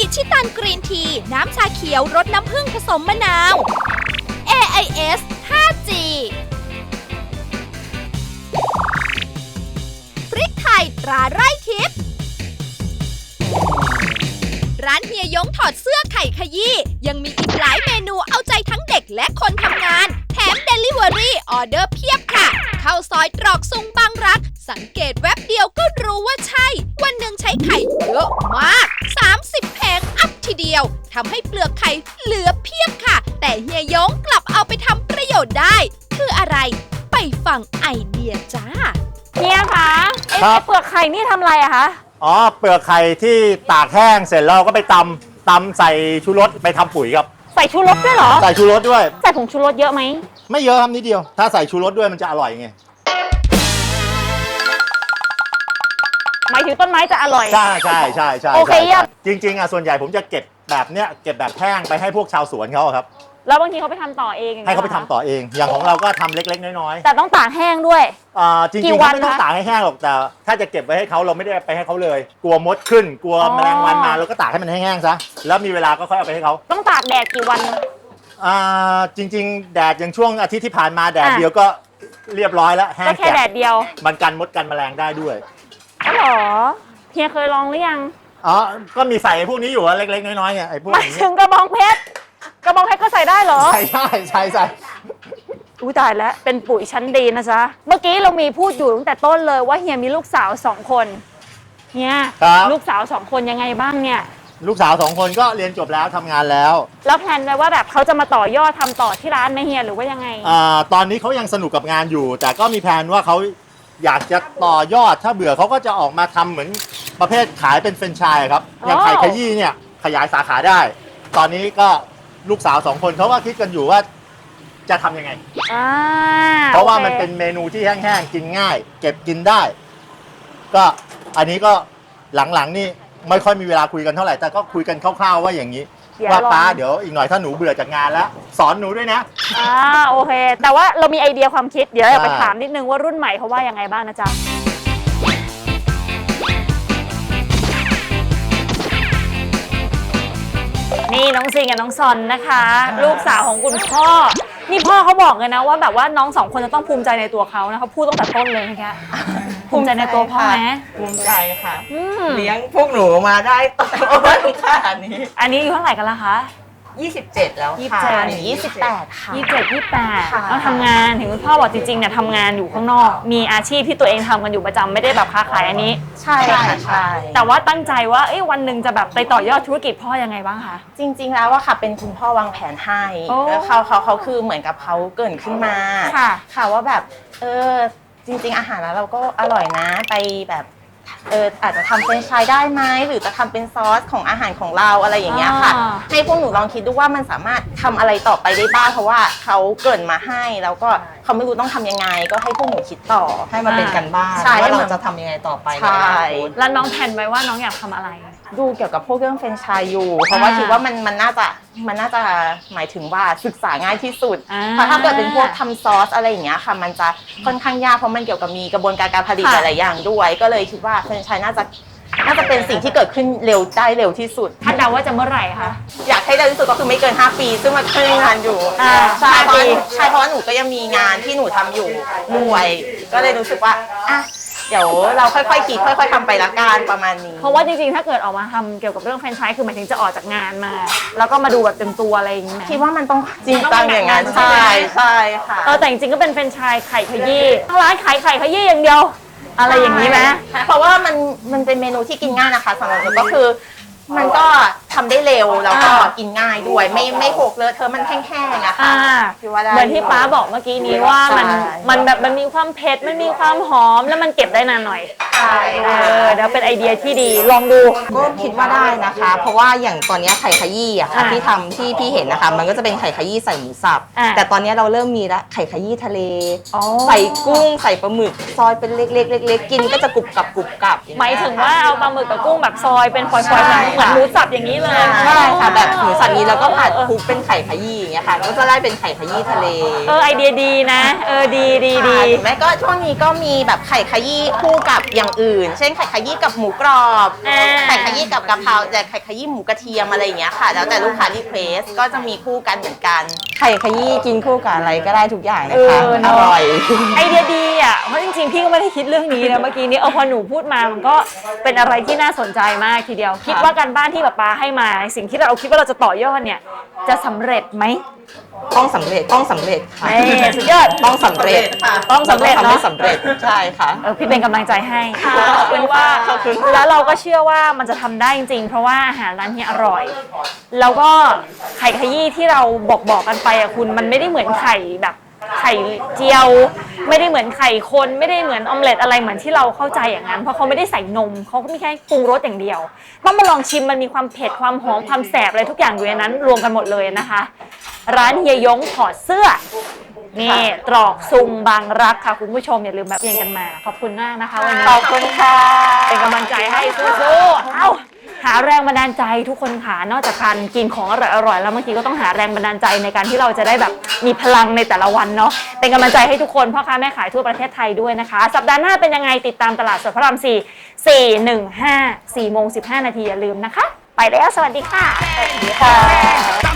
อิชิตันกรีนทีน้ำชาเขียวรสน้ำผึ้งผสมมะนาว AIS 5G พริกไทยตราไร่ทิพย์ร้านเฮียยงถอดเสื้อไข่ขยี้ยังมีอีกหลายเมนูเอาใจทั้งเด็กและคนทำงานแถม Delivery ออเดอร์เพียบค่ะเข้าซอยตรอกซุงบางรักสังเกตแวบเดียวก็รู้ว่าใช่วันหนึ่งใช้ไข่เยอะมาก30 แผงอัพทีเดียวทำให้เปลือกไข่เหลือเพียบค่ะแต่เฮียยงกลับเอาไปทำประโยชน์ได้คืออะไรไปฟังไอเดียจ้าเฮียคะเปลือกไข่นี่ทำอะไรอะคะอ๋อเปลือกไข่ที่ตากแห้งเสร็จแล้วก็ไปตำใส่ชูรสไปทำปุ๋ยครับใส่ชูรสด้วยเหรอใส่ชูรสด้วยใส่ผงชูรสเยอะไหมไม่เยอะครับนิดเดียวถ้าใส่ชูรสด้วยมันจะอร่อยไงหมายถึงต้นไม้จะอร่อยใช่โอเคเยี่ยมจริงๆอ่ะส่วนใหญ่ผมจะเก็บแบบเนี้ยเก็บแบบแห้งไปให้พวกชาวสวนเขาครับแล้วบางทีเขาไปทำต่อเองให้เขาไปทำต่อเองอย่างของเราก็ทำเล็กๆน้อยๆแต่ต้องตากแห้งด้วยจริงๆเขาไม่ต้องตากให้แห้งหรอกแต่ถ้าจะเก็บไว้ให้เขาเราไม่ได้ไปให้เขาเลยกลัวมดขึ้นกลัวแมลงวันมาเราก็ตากให้มันแห้งๆซะแล้วมีเวลาก็ค่อยเอาไปให้เขาต้องตากแดดกี่วันจริงๆแดดอย่างช่วงอาทิตย์ที่ผ่านมาแดดเดียวก็เรียบร้อยแล้วแห้งแค่แดดเดียวมันกันมดกันแมลงได้ด้วยอ๋อเหรอเฮียเคยลองหรือยังก็มีใส่พวกนี้อยู่เล็กๆน้อยๆเนี่ยไอ้พวกนี้ถึงกระบองเพชรก็ใส่ได้เหรอใช่อุ้ยตายแล้วเป็นปุ๋ยชั้นดีนะจ๊ะเมื่อกี้เรามีพูดอยู่ตั้งแต่ต้นเลยว่าเฮียมีลูกสาว2 คนเฮียลูกสาว2 คนยังไงบ้างเนี่ยลูกสาว2 คนก็เรียนจบแล้วทำงานแล้วแพลนไว้ว่าแบบเขาจะมาต่อยอดทำต่อที่ร้านไหมเฮียหรือว่ายังไงตอนนี้เขายังสนุกกับงานอยู่แต่ก็มีแผนว่าเขาอยากจะต่อยอดถ้าเบื่อเขาก็จะออกมาทำเหมือนประเภทขายเป็นแฟรนไชส์ครับอย่างไข่ขยี้เนี่ยขยายสาขาได้ตอนนี้ก็ลูกสาว2 คนเขาก็คิดกันอยู่ว่าจะทำยังไงเพราะว่ามันเป็นเมนูที่แห้งๆกินง่ายเก็บกินได้ก็อันนี้ก็หลังๆนี่ไม่ค่อยมีเวลาคุยกันเท่าไหร่แต่ก็คุยกันคร่าวๆว่าอย่างนี้ว่าป้าเดี๋ยวอีกหน่อยถ้าหนูเบื่อจากงานแล้วสอนหนูด้วยนะโอเคแต่ว่าเรามีไอเดียความคิดเดี๋ยวเราไปถามนิดนึงว่ารุ่นใหม่เขาว่ายังไงบ้างนะจ๊ะนี่น้องซิงกับน้องซอนนะคะลูกสาวของคุณพ่อนี่พ่อเขาบอกเลยนะว่าแบบว่าน้อง2 คนจะต้องภูมิใจในตัวเขานะเขาพูดตั้งแต่ต้นเลยนะคะภูมิใจในตัวพ่อไหมภูมิใจค่ะเลี้ยงพวกหนูมาได้โตขนาดนี้อันนี้อยู่เท่าไหร่กันละคะ 27แล้วค่ะ 28ค่ะ28ต้องทำงานถึงคุณพ่อบอกจริงๆเนี่ยทำงานอยู่ข้างนอกมีอาชีพที่ตัวเองทำกันอยู่ประจำไม่ได้แบบค้าขายอันนี้ใช่ค่ะใช่แต่ว่าตั้งใจว่าวันหนึ่งจะแบบไปต่อยอดธุรกิจพ่อยังไงบ้างคะจริงๆแล้วว่าค่ะเป็นคุณพ่อวางแผนให้แล้วเขาคือเหมือนกับเขาเกิดขึ้นมาค่ะว่าแบบจริงๆอาหารแล้วเราก็อร่อยนะไปแบบอาจจะทำเป็นไชส์ได้ไหมหรือจะทำเป็นซอสของอาหารของเราอะไรอย่างเงี้ยค่ะให้พวกหนูลองคิดดูว่ามันสามารถทำอะไรต่อไปได้บ้างเพราะว่าเขาเกิดมาให้แล้วก็เขาไม่รู้ต้องทำยังไงก็ให้พวกหนูคิดต่อให้มาเป็นกันบ้านว่าเราจะทำยังไงต่อไปใช่แล้วน้องแผนไว้ว่าน้องอยากทำอะไรดูเกี่ยวกับพวกเรื่องแฟรนไชส์อยู่เพราะว่าคิดว่ามันน่าจะหมายถึงว่าศึกษาง่ายที่สุดเพราะถ้าเกิดเป็นพวกทำซอสอะไรอย่างเงี้ยค่ะมันจะค่อนข้างยากเพราะมันเกี่ยวกับมีกระบวนการผลิตหลายๆอย่างด้วยก็เลยคิดว่าแฟรนไชส์น่าจะเป็นสิ่งที่เกิดขึ้นเร็วที่สุดคาดเดาว่าจะเมื่อไหร่คะอยากให้เร็วที่สุดก็คือไม่เกิน5 ปีซึ่งมันก็ยังงานอยู่ใช่เพราะว่าหนูก็ยังมีงานที่หนูทำอยู่ด้วยก็เลยรู้สึกว่าเดี๋ยวเราค่อยๆคิดค่อยๆทำไปละกันประมาณนี้เพราะว่าจริงๆถ้าเกิดออกมาทำเกี่ยวกับเรื่องแฟรนไชส์คือหมายถึงจะออกจากงานมาแล้วก็มาดูแบบเต็มตัวอะไรอย่างเงี้ยคิดว่ามันต้องจริงจังอย่างนั้นใช่ค่ะแต่จริงๆก็เป็นแฟรนไชส์ไข่ขยี้ทั้งร้านขายไข่ขยี้อย่างเดียวอะไรอย่างนี้ไหมเพราะว่ามันเป็นเมนูที่กินง่ายนะคะสำหรับหนูก็คือมันก็ทำได้เร็วแล้วก็กินง่ายด้วยไม่หกเลอะเธอมันแห้งๆอะค่ะเหมือนที่ป้าบอกเมื่อกี้นี้ว่ามันแบบมันมีความเผ็ดมันมีความหอมแล้วมันเก็บได้นานหน่อยใช่เดี๋ยวเป็นไอเดียที่ดีลองดูก็คิดว่าได้นะคะเพราะว่าอย่างตอนนี้ไข่ขยี้อะค่ะที่ทำที่พี่เห็นนะคะมันก็จะเป็นไข่ขยี้ใส่หมูสับแต่ตอนนี้เราเริ่มมีละไข่ขยี้ทะเลใส่กุ้งใส่ปลาหมึกซอยเป็นเล็กๆกินก็จะกรุบกรับหมายถึงว่าเอาปลาหมึกกับกุ้งแบบซอยเป็นฟอยๆเหมือนหมูสับอย่างนี้เลยใช่ค่ะแบบหมูสับนี้แล้วก็ผัดคลุกเป็นไข่ขยี้อย่างเงี้ยค่ะก็จะได้เป็นไข่ขยี้ทะเลไอเดียดีนะดีแม่ก็ช่วงนี้ก็มีแบบไข่ขยี้คู่กับอย่างอื่น เช่นไข่ขยี้กับหมูกรอบไข่ขยี้กับกะเพราแต่ไข่ขยี้หมูกระเทียมอะไรอย่างเงี้ยค่ะแล้วแต่ลูกค้ารีเควสก็จะมีคู่กันเหมือนกันไข่ขยี้กินคู่กับอะไรก็ได้ทุกอย่างนะคะอร่อยไอเดียดีอ่ะเพราะจริงๆพี่ก็ไม่ได้คิดเรื่องนี้นะเมื่อกี้นี้พอหนูพูดมามันก็เป็นอะไรที่น่าสนใจมากทีเดียวคิดว่าการบ้านที่ป๊าให้มาสิ่งที่เราคิดว่าเราจะต่อยอดเนี่ยจะสำเร็จไหมต้องสำเร็จค่ะสุดยอดต้องสำเร็จเนาะสำเร็จใช่ค่ะพี่เป็นกำลังใจให้ขอบคุณว่าแล้วเราก็เชื่อว่ามันจะทำได้จริงๆเพราะว่าอาหารร้านนี้อร่อยแล้วก็ไข่ขยี้ที่เราบอกกันไปอ่ะคุณมันไม่ได้เหมือนไข่แบบไข่เจียวไม่ได้เหมือนไข่คนไม่ได้เหมือนออมเล็ตอะไรเหมือนที่เราเข้าใจอย่างนั้นเพราะเขาไม่ได้ใส่นมเขาก็มีแค่ปรุงรสอย่างเดียวต้องมาลองชิมมันมีความเผ็ดความหอมความแสบอะไรทุกอย่างอยู่ในนั้นรวมกันหมดเลยนะคะร้านเฮียยงถอดเสื้อนี่ตรอกซุงบางรักค่ะคุณผู้ชมอย่าลืมแบบเรียนกันมาขอบคุณมากนะคะวันนี้ขอบคุณค่ะเป็นกำลังใจให้สู้ๆเอ้าหาแรงบันดาลใจทุกคนค่ะนอกจากการกินของอร่อยๆแล้วบางทีก็ต้องหาแรงบันดาลใจในการที่เราจะได้แบบมีพลังในแต่ละวันเนาะเป็นกำลังใจให้ทุกคนพ่อค้าแม่ขายทั่วประเทศไทยด้วยนะคะสัปดาห์หน้าเป็นยังไงติดตามตลาดสดพระราม4 415 4:15 น.อย่าลืมนะคะไปแล้วสวัสดีค่ะสวัสดีค่ะ